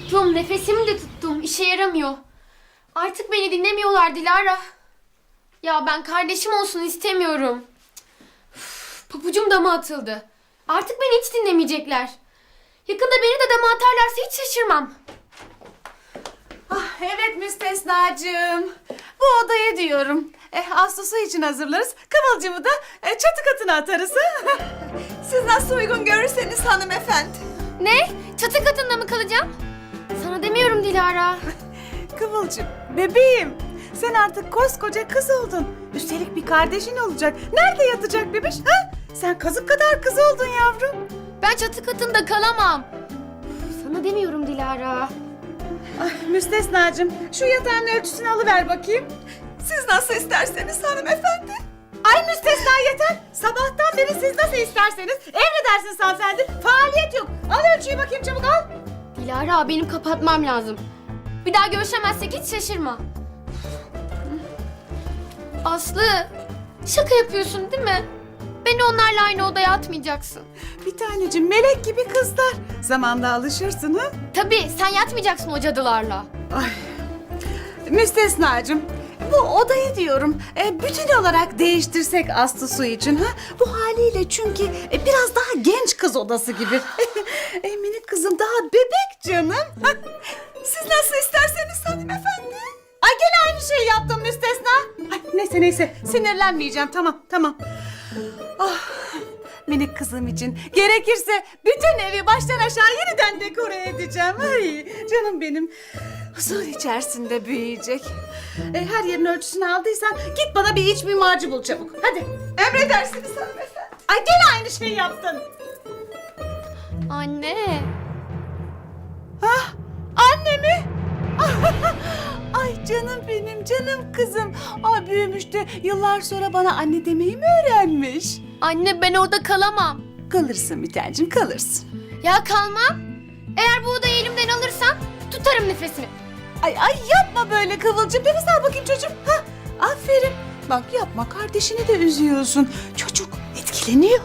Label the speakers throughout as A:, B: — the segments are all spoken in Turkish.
A: Tuttum, nefesimi de tuttum. İşe yaramıyor. Artık beni dinlemiyorlar Dilara. Ya ben kardeşim olsun istemiyorum. Üf, pabucum dama atıldı. Artık beni hiç dinlemeyecekler. Yakında beni de dama atarlarsa hiç şaşırmam.
B: Ah, evet müstesnacığım. Bu odayı diyorum. Ağustos'u için hazırlarız. Kıvılcımı da çatı katına atarız. Ha? Siz nasıl uygun görürseniz hanımefendi.
A: Ne? Çatı katında mı kalacağım? Sana demiyorum Dilara.
B: Kıvılcım, bebeğim. Sen artık koskoca kız oldun. Üstelik bir kardeşin olacak. Nerede yatacak bebiş? Ha? Sen kazık kadar kız oldun yavrum.
A: Ben çatı katında kalamam. Sana demiyorum Dilara.
B: Ay müstesnacığım, şu yatağın ölçüsünü alıver bakayım. Siz nasıl isterseniz hanımefendi. Ay müstesna yeter. Sabahtan beri siz nasıl isterseniz. Emredersiniz hanımefendi. Faaliyet yok. Al ölçüyü bakayım çabuk al.
A: Dilara benim kapatmam lazım. Bir daha görüşemezsek hiç şaşırma. Aslı, şaka yapıyorsun değil mi? Beni onlarla aynı odaya atmayacaksın.
B: Bir tanecim melek gibi kızlar. Zamanla alışırsın ha.
A: Tabii sen yatmayacaksın o cadılarla.
B: Ay. Müstesnacığım, bu odayı diyorum bütün olarak değiştirsek Aslı Su için ha. Bu haliyle çünkü biraz daha genç kız odası gibi. Minik kızım daha bebek canım. Siz nasıl isterseniz hanımefendi. Ay gene aynı şeyi yaptım müstesna. Ay, neyse sinirlenmeyeceğim tamam. Ah, minik kızım için gerekirse bütün evi baştan aşağı yeniden dekore edeceğim. Ay canım benim. Huzur içerisinde büyüyecek. Her yerin ölçüsünü aldıysan git bana bir iç mimarcı bul çabuk. Hadi. Emredersiniz hanımefendi. Ay gene aynı şeyi yaptın.
A: Anne.
B: Ah, anne mi? Ay canım benim, canım kızım. Ay büyümüş de yıllar sonra bana anne demeyi mi öğrenmiş?
A: Anne ben orada kalamam.
B: Kalırsın bir tancım, kalırsın.
A: Ya kalmam. Eğer bu odayı elimden alırsan tutarım nefesimi.
B: Ay yapma böyle Kıvılcım. Nefes al bakayım çocuğum. Ha, aferin. Bak yapma, kardeşini de üzüyorsun. Çocuk etkileniyor.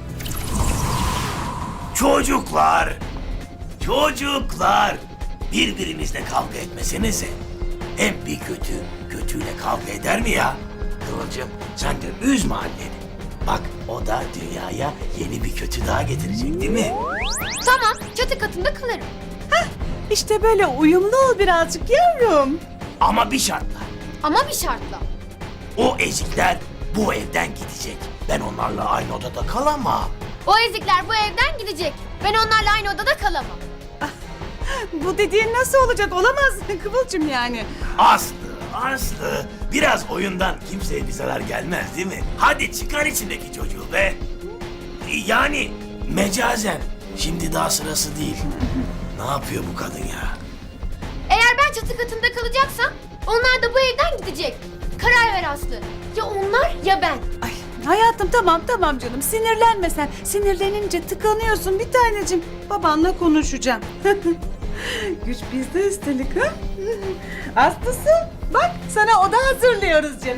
C: Çocuklar, birbirinizle kavga etmesenize. Hem bir kötüyle kavga eder mi ya? Kıvılcım, sen de üzme anneni. Bak, o da dünyaya yeni bir kötü daha getirecek değil mi?
A: Tamam çatı katında kalırım.
B: İşte böyle uyumlu ol birazcık yavrum.
C: Ama bir şartla.
A: Ama bir şartla.
C: O ezikler bu evden gidecek. Ben onlarla aynı odada kalamam.
A: O ezikler bu evden gidecek. Ben onlarla aynı odada kalamam.
B: Bu dediğin nasıl olacak? Olamaz Kıvılcım yani.
C: Aslı, biraz oyundan kimseye bir zarar gelmez değil mi? Hadi çıkar içindeki çocuğu be. Yani mecazen. Şimdi daha sırası değil. Ne yapıyor bu kadın ya?
A: Eğer ben çatı katında kalacaksam onlar da bu evden gidecek. Karar ver Aslı. Ya onlar ya ben.
B: Ay hayatım tamam canım. Sinirlenme sen. Sinirlenince tıkanıyorsun bir tanecim. Babanla konuşacağım. Güç bizde üstelik ha. Aslısı bak sana oda hazırlıyoruz canım.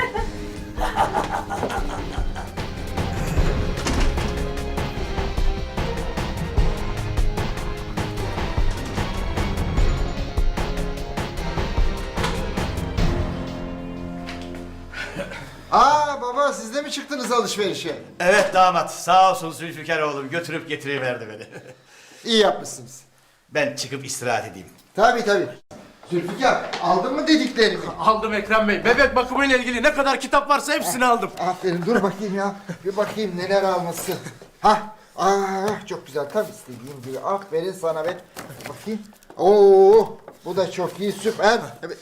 D: Aa baba siz de mi çıktınız alışverişe?
E: Evet damat, sağ olsun Zülfikar oğlum götürüp getiriverdi beni.
D: İyi yapmışsınız.
E: Ben çıkıp istirahat edeyim.
D: Tabii. Zülfikar aldın mı dediklerimi?
F: Aldım Ekrem Bey. Bebek bakımıyla ilgili ne kadar kitap varsa hepsini aldım.
D: Aferin dur bakayım ya. Bir bakayım neler alması. Çok güzel tam istediğim gibi. Aferin sana be. Bakayım. Oo bu da çok iyi süper. Evet.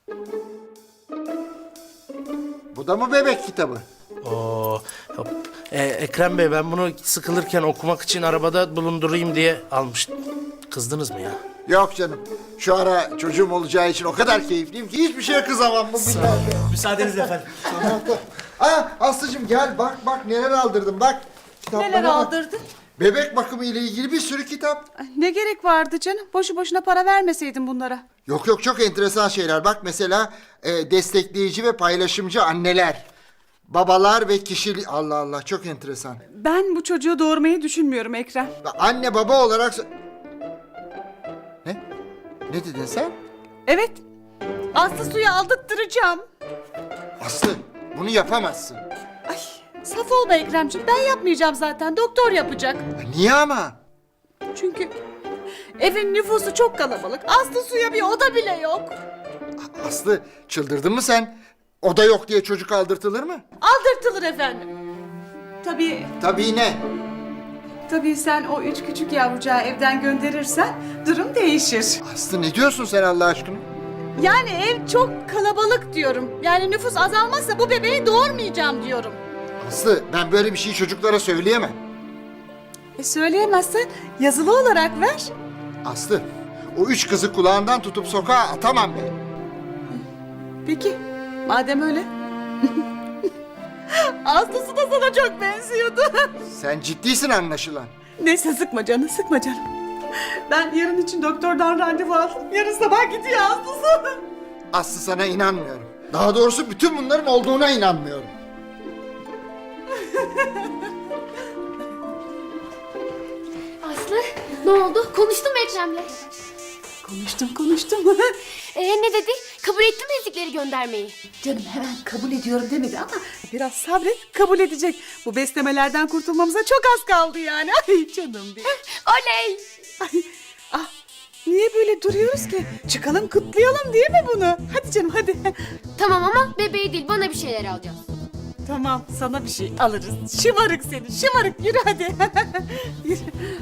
D: Bu da mı bebek kitabı?
F: Oo, hop. Ekrem Bey ben bunu sıkılırken okumak için arabada bulundurayım diye almıştım. Kızdınız mı ya?
D: Yok canım. Şu ara çocuğum olacağı için o kadar keyifliyim ki hiçbir şeye kızamam bu billahi.
E: Müsaadenizle efendim.
D: Aslıcığım gel bak neler aldırdım bak. Kitaplara
B: Neler
D: bak.
B: aldırdın?
D: Bebek bakımı ile ilgili bir sürü kitap.
B: Ay, ne gerek vardı canım? Boşu boşuna para vermeseydin bunlara.
D: Yok çok enteresan şeyler. Bak mesela destekleyici ve paylaşımcı anneler. Babalar ve kişilik... Allah Allah çok enteresan.
B: Ben bu çocuğu doğurmayı düşünmüyorum Ekrem.
D: Anne baba olarak... Ne? Ne dedin sen?
B: Evet. Aslı Su'yu aldırttıracağım.
D: Aslı bunu yapamazsın.
B: Ay, saf olma Ekremciğim. Ben yapmayacağım zaten. Doktor yapacak.
D: Niye ama?
B: Çünkü evin nüfusu çok kalabalık. Aslı Su'ya bir oda bile yok.
D: Aslı çıldırdın mı sen? Oda yok diye çocuk aldırtılır mı?
B: Aldırtılır efendim.
D: Tabii ne?
B: Tabii sen o 3 küçük yavrucağı evden gönderirsen durum değişir.
D: Aslı ne diyorsun sen Allah aşkına?
B: Yani ev çok kalabalık diyorum. Yani nüfus azalmazsa bu bebeği doğurmayacağım diyorum.
D: Aslı ben böyle bir şeyi çocuklara söyleyemem.
B: Söyleyemezsen yazılı olarak ver.
D: Aslı o 3 kızı kulağından tutup sokağa atamam ben.
B: Peki madem öyle. Aslısı da sana çok benziyordu.
D: Sen ciddisin anlaşılan.
B: Neyse sıkma canım sıkma canım. Ben yarın için doktordan randevu aldım. Yarın sabah gidiyor Aslısı.
D: Aslı sana inanmıyorum. Daha doğrusu bütün bunların olduğuna inanmıyorum.
A: Aslı ne oldu? Konuştun mu Ekrem'le?
B: Konuştum.
A: Ne dedi? Kabul etti mi ezikleri göndermeyi?
B: Canım hemen kabul ediyorum demedi ama biraz sabret kabul edecek. Bu beslemelerden kurtulmamıza çok az kaldı yani. Ay canım benim.
A: Oley!
B: Ay, ah, niye böyle duruyoruz ki? Çıkalım kutlayalım değil mi bunu? Hadi canım hadi.
A: Tamam ama bebeği değil bana bir şeyler alacağız.
B: Tamam sana bir şey alırız. Şımarık seni şımarık yürü hadi. Yürü.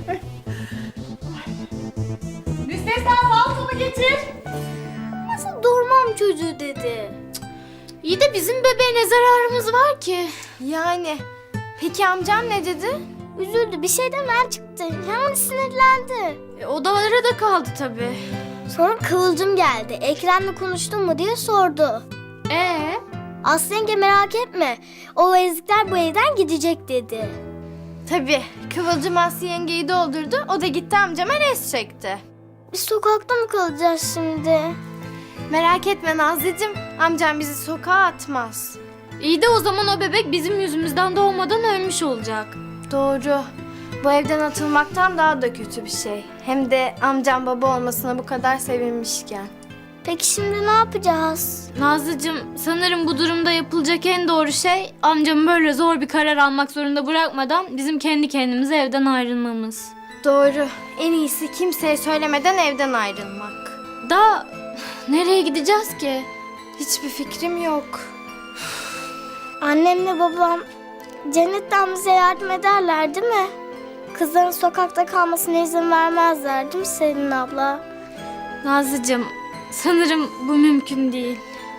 B: Müstesna paltomu getir.
G: Nasıl doğurmam çocuğu dedi.
A: İyi de bizim bebeğe ne zararımız var ki?
G: Yani peki amcam ne dedi? Üzüldü bir şeyden çıktı. Hemen sinirlendi.
A: Odalara da kaldı tabii.
G: Sonra Kıvılcım geldi. Ekrem'le konuştun mu diye sordu. Aslı yenge merak etme. O ezikler bu evden gidecek dedi.
H: Tabii. Kıvılcım Aslı yengeyi doldurdu. O da gitti amcama res çekti.
G: Biz sokakta mı kalacağız şimdi?
H: Merak etme Nazlıcığım. Amcam bizi sokağa atmaz.
A: İyi de o zaman o bebek bizim yüzümüzden doğmadan ölmüş olacak.
H: Doğru. Bu evden atılmaktan daha da kötü bir şey. Hem de amcam baba olmasına bu kadar sevinmişken.
G: Peki şimdi ne yapacağız?
I: Nazlıcığım, sanırım bu durumda yapılacak en doğru şey amcamı böyle zor bir karar almak zorunda bırakmadan bizim kendi kendimize evden ayrılmamız.
H: Doğru. En iyisi kimseye söylemeden evden ayrılmak.
I: Da nereye gideceğiz ki?
H: Hiçbir fikrim yok.
G: Annemle babam cennetten bize yardım ederler değil mi? Kızların sokakta kalmasına izin vermezler değil mi Selin abla?
I: Nazlıcığım, sanırım bu mümkün değil.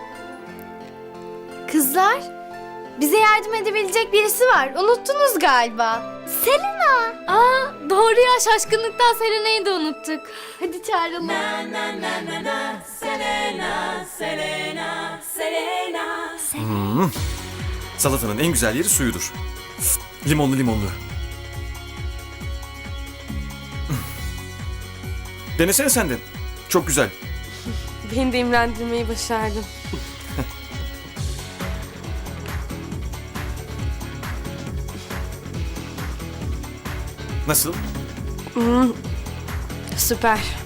H: Kızlar, bize yardım edebilecek birisi var. Unuttunuz galiba.
I: Aa, doğru ya, şaşkınlıktan Selena'yı da unuttuk. Hadi çağıralım.
J: Salatanın en güzel yeri suyudur. Limonlu limonlu. Denesene sen de. Çok güzel.
H: Beni de imrendirmeyi başardım.
J: Nasıl?
H: Süper.